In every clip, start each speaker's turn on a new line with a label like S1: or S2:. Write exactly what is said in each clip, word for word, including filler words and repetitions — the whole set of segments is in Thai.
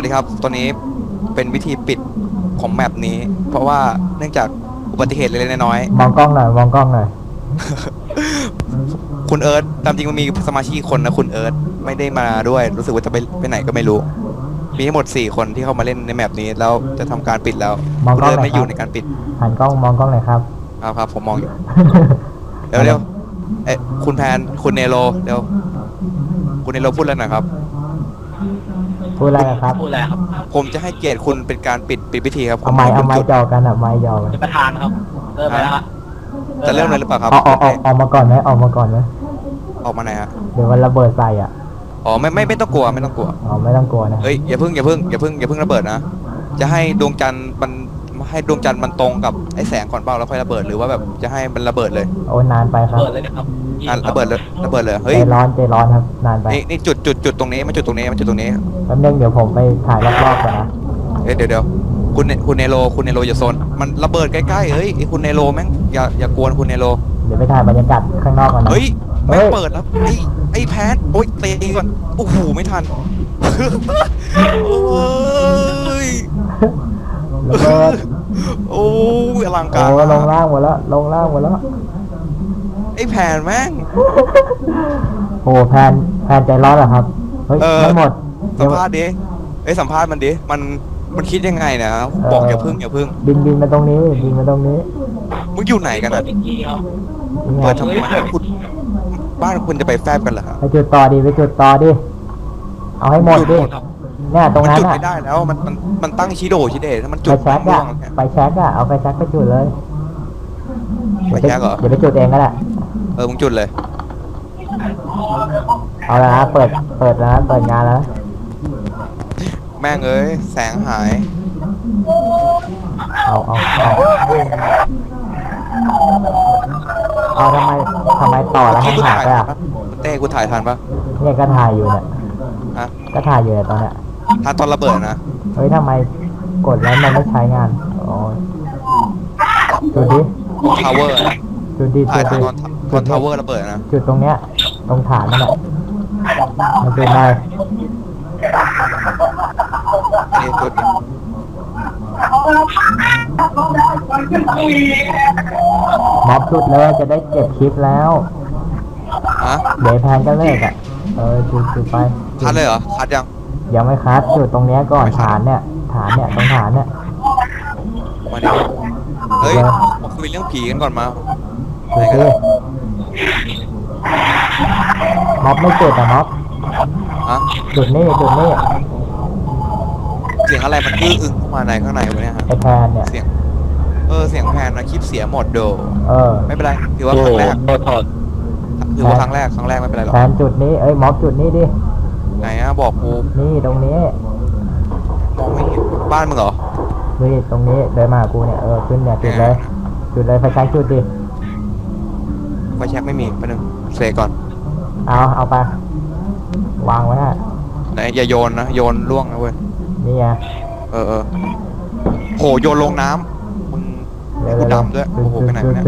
S1: วัสดีครับตอนนี้เป็นวิธีปิดของแมปนี้เพราะว่าเนื่องจากอุบัติเหตุเล็กๆน้อย
S2: มองกล้องหน่อยมองกล้องหน่อย
S1: ๆคุณเอิร์ธตามจริงมันมีสมาชิกอีกคนนะคุณเอิร์ธไม่ได้มาด้วยรู้สึกว่าจะไปไปไหนก็ไม่รู้มีทั้งหมดสี่คนที่เข้ามาเล่นในแมปนี้แล้วจะทำการปิดแล้วคุณเอิร์ธไม่อยู่ในการปิด
S2: หันกล้องมองกล้องหน่อยครับ
S1: ครับครับผมมองอยู่เร็วเร็วเอ๊ะคุณแพนคุณเนโรเร็วคุณเนโรพูดแล้วหน่อยครับ
S2: พูดอะไรครับ
S3: พูดอะไรครับ
S1: ผมจะให้เกียรติคุณเป็นการปิดปิดพิธีครับ
S2: เอาไม้เอาไม้จอกันอ่ะไม้จอกัน
S3: ประธานครับเริ่มแล้ว
S1: จะเริ่มเลยหรือเปล่าครับ
S2: ออกออกออกออกมาก่อนไหมออกมาก่อนไหม
S1: ออกมาไหนฮะ
S2: เดี๋ยวมันระเบิดใส่อ่ะ
S1: อ๋อไม่ไม่ไม่ต้องกลัวไม่ต้องกลัว
S2: อ๋อไม่ต้องกลัวนะ
S1: เฮ้ยอย่าเพิ่งอย่าเพิ่งอย่าเพิ่งอย่าเพิ่งระเบิดนะจะให้ดวงจันทร์มันให้ดวงจันทร์มันตรงกับไอ้แสงก่อนเปล่าแล้วค่อยระเบิดหรือว่าแบบจะให้มันระเบิดเลย
S2: โอ้นานไปครับ
S3: ระเบิดเลยนะครับ
S1: อ่ะระเบิดเลยระเบิดเลยเฮ้ย
S2: ใจร้อนใจร้อนครับนานไป
S1: นี่นี่จุดจุดจุดตรงนี้มันจุดตรงนี้มันจุดตรงนี้
S2: แป๊บนึงเดี๋ยวผมไปถ่ายรอบๆก่อนนะ
S1: เฮ้ยเดี๋ยวเดี๋ยวคุณคุณเนโรคุณเนโรอย่าโซนมันระเบิดใกล้ๆเฮ้ยไอ้คุณเนโรแม่งอย่าอย่ากวนคุณเนโร
S2: เดี๋ยวไปถ่ายบรรยากาศข้างนอกก่อนนะ
S1: เฮ้ยแม่งเปิดแล้วไอ้ไอ้แพทโอ๊ยเตะก่อนโอ้โหไม่ทันโอ้ย
S2: ระเบิด
S1: โอ้ยอลังการ
S2: โอ้ลงล่างหมดแล้วลงล่างหมดแล้ว
S1: ไอ้แผ่นแม่ง
S2: โอ้แพนแพนใจร้อนเหรอครับเฮ้ยไม่หมด
S1: สัมภาษณ์ดิไอ้สัมภาษณ์มันดิมันมันคิดยังไงเนี่ยบอกอย่าพึ่งอย่าพึ่ง
S2: บินบินมาตรงนี้บินมาตรงนี้
S1: มึงอยู่ไหนกันอ่ะเปิดทำไมคุณบ้านคุณจะไปแฟบกันเหรอครับ
S2: ไปจุดต่อดิไปจุดต่อดิเอาให้หมดดิเนี่ยตรงนั้น
S1: จุดไม่ได้แล้วมันมันมันตั้งชิโดชิเดถ้ามันจุด
S2: ไปแช็กอะไปแช็กอะเอาไปแช็กไปจุดเลย
S1: ไปแช็กเหรอ
S2: เดี๋ยวไปจุดเองก็ได้
S1: เออมึงจุดเลย
S2: เอาละนะเปิดเปิดแล้วเปิดงานแล้ว
S1: แม่งเอ้ยแสงหาย
S2: เอาเอาเอาเอาทำไมทำไมต่อแล้วมันหายไปอ่ะ
S1: เต้กูถ่ายทันปะ
S2: เนี่ยก็ถ่ายอยู่เนี่ย
S1: อะ
S2: ก็ถ่ายอยู่เนี่ยตอนเนี้ย
S1: ทันตอนระเบิดนะ
S2: เฮ้ยทำไมกดแล้วมันไม่ใช้งานโอ้ยจุดดิ
S1: ทาวเวอร์นะ
S2: จุดดิ
S1: จุดดิตอนทาวเวอร์ระเบิดนะ
S2: จุดตรงเนี้ยตรงฐานนั่นแหละมันเป็นไร
S1: นี่จุด
S2: ม็อบจุดเลยจะได้เก็บคลิปแล้ว
S1: ฮะ
S2: เดี๋ยวแพนก็เลิกอ่ะเออจุดจุดไป
S1: คัดเลยเหรอคัดยัง
S2: ยังไม่คัดจุดตรงเนี้ยก่อนฐานเนี่ยฐานเนี่ยตรงฐานเนี่ย
S1: มาดิเฮ้ยมาคุยเรื่องผีกันก่อนมา
S2: จุดดิม็อบไม่จุดอ่ะม็อบ
S1: ฮะ
S2: จุดนี่จุดนี่
S1: เสียงอะไรมันอื้ออึ้งเข้ามาในข้างในวะเนี่ยฮะ
S2: ไอแพนเนี่ย
S1: เสียงเออเสียงแพนนะคลิปเสียหมดโด
S2: เออ
S1: ไม่เป็นไรถือว่าครั้งแรกถือว่าครั้งแรกครั้งแรกไม่เป็นไรหรอก
S2: แพนจุดนี้เอ้ยม็อบจุดนี้ดิ
S1: ไหนอะบอกกู
S2: นี่ตรงนี้
S1: มองไม่เห็นบ้านมึงเหรอ
S2: นี่ตรงนี้เดินมากูเนี่ยเออขึ้นเนี่ยจุดเลยจุดเลยไฟแช็กจุดดิ
S1: ไฟแช็กไม่มีไปหนึ่งเซก่อน
S2: เอาเอาไปวางไว้ฮะ
S1: ไหนอย่าโยนนะโยนล่วงนะเว้ย
S2: นี่ไง
S1: เออเออโหโยนลงน้ำมึงกูดำด้วยโอ้โหไปไหนเนี่ย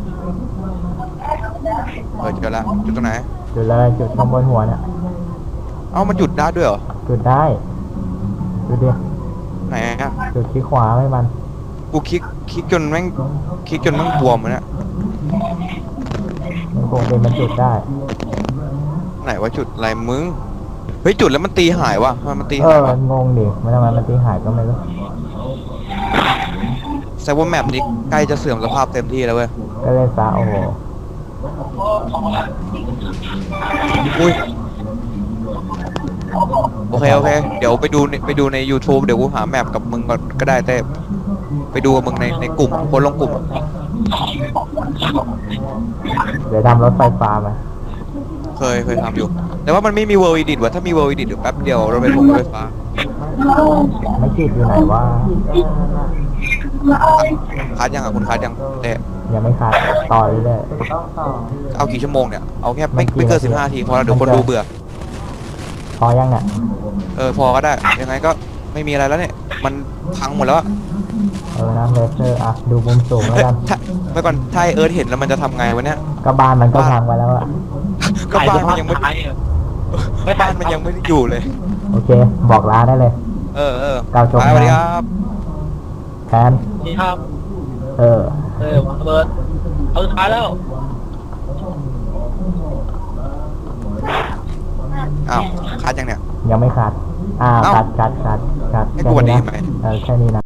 S1: เออจุดละจุดตรงไหน
S2: จุดเลยจุดข้างบนหัวเนี่ย
S1: เอ้ามันจุดได้ด้วยเหรอ
S2: จุดได้จุดดิ
S1: ไหนอ่ะ
S2: จุดที่ขวาไม่มัน
S1: กูคลิกคลิกจนแม่งคลิกจนแม่งบวมเลยเนี่ย
S2: มันคงเป็นมันจุดได้
S1: ไหนว่าจุดอะไรมึงเฮ้ยจุดแล้วมันตีหายวะมันตี
S2: หา
S1: ยวะ
S2: งงดิมันทำไมมันตีหายก็ไม่รู้
S1: แซวว่าแมปนี้ใกล้จะเสื่อมสภาพเต็มที่แล้วเว้ย
S2: ก็เลยซะโอ้โห
S1: อุ้ยโอเคโอเคเดี๋ยวไปดูไปดูใน YouTube เดี๋ยวกูหาแมปกับมึงก่อนก็ได้แต่ไปดูกับมึงในในกลุ่มคนลงกลุ่ม
S2: เดี๋ยวทำรถไฟฟ้าไหม
S1: เคยเคยทำอยู่แต่ว่ามันไม่มีเวอร์วิดิตว่ะถ้ามีเวอร์วิดิตเดี๋ยวแป๊บเดียวเราไปส่งรถไฟฟ้า
S2: ไม่คิดอยู่ไหนว่า
S1: คัดยังอ่ะคุณคัดยังเต้
S2: ยังไม่คัดต่อเลยเลย
S1: เอากี่ชั่วโมงเนี่ยเอาแค่ไม่ไม่เกินสิบห้าทีพอแล้วเดี๋ยวคนดูเบื่อ
S2: พอยังเนี่ย
S1: เออพอก็ได้ยังไงก็ไม่มีอะไรแล้วเนี่ยมันพังหมดแล้ว
S2: เออน้ำเลเซอร์อ่ะดูมุมสูงแล้วกัน
S1: เมื่อก่อนถ้าเอิร์ธเห็นแล้วมันจะทำไงวะเนี่ย
S2: ก็บ้านมันก็พังไปแล้วอะ
S1: ก็บ้านมันยังไม่บ้านมันยังไม่ได้อยู่เลย
S2: โอเคบอกลาได้เลย
S1: เออเออ
S2: กล่าวจบ
S1: ไปสวัสดี
S2: งาน
S1: ครับ
S2: แทน
S3: นี่ครับ
S2: เออ
S3: เออระเบิดเอาสุดท้ายแล้ว
S1: อ้าวคัดยังเนี่ย
S2: ยังไม่ขาดอ่า
S1: เอ้า
S2: ขาดขาดขาดขาด
S1: ให้กูวันนี้
S2: แค่
S1: ไหม
S2: เออแค่นี้นะ